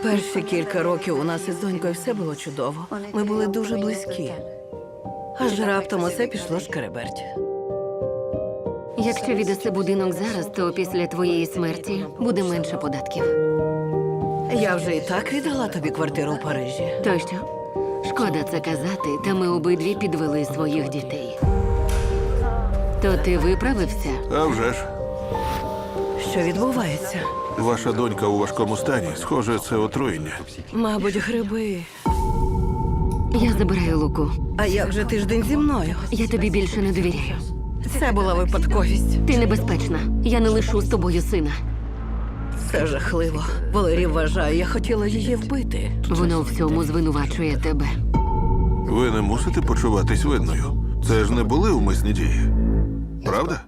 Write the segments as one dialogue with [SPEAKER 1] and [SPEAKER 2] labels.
[SPEAKER 1] Перші кілька років у нас із донькою все було чудово. Ми були дуже близькі. Аж раптом усе пішло шкереберть.
[SPEAKER 2] Якщо віддаси будинок зараз, то після твоєї смерті буде менше податків.
[SPEAKER 1] Я вже і так віддала тобі квартиру в Парижі.
[SPEAKER 2] То що? Шкода це казати, та ми обидві підвели своїх дітей. То ти виправився?
[SPEAKER 3] А вже ж.
[SPEAKER 1] Що відбувається?
[SPEAKER 3] Ваша донька у важкому стані. Схоже, це отруєння.
[SPEAKER 1] Мабуть, гриби.
[SPEAKER 2] Я забираю Луку.
[SPEAKER 1] А як же тиждень зі мною?
[SPEAKER 2] Я тобі більше не довіряю.
[SPEAKER 1] Це була випадковість.
[SPEAKER 2] Ти небезпечна. Я не лишу з тобою сина.
[SPEAKER 1] Це жахливо. Валерій вважає, я хотіла її вбити.
[SPEAKER 2] Воно у всьому звинувачує тебе.
[SPEAKER 3] Ви не мусите почуватись винною. Це ж не були умисні дії. Правда?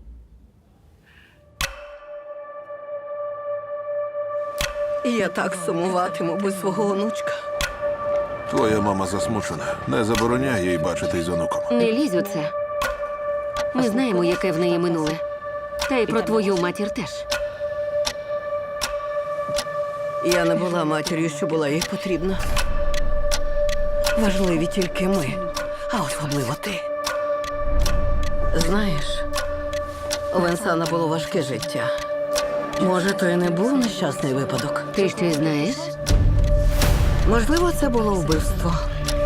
[SPEAKER 1] Я так сумуватиму без свого онучка.
[SPEAKER 3] Твоя мама засмучена. Не забороняй їй бачитись з онуком.
[SPEAKER 2] Не лізь у це. Ми знаємо, яке в неї минуле. Та й про твою матір теж.
[SPEAKER 1] Я не була матір'ю, що була їй потрібна. Важливі тільки ми, а особливо ти. Знаєш, у Венсана було важке життя. Може, то і не був нещасний випадок.
[SPEAKER 2] Ти щось знаєш?
[SPEAKER 1] Можливо, це було вбивство.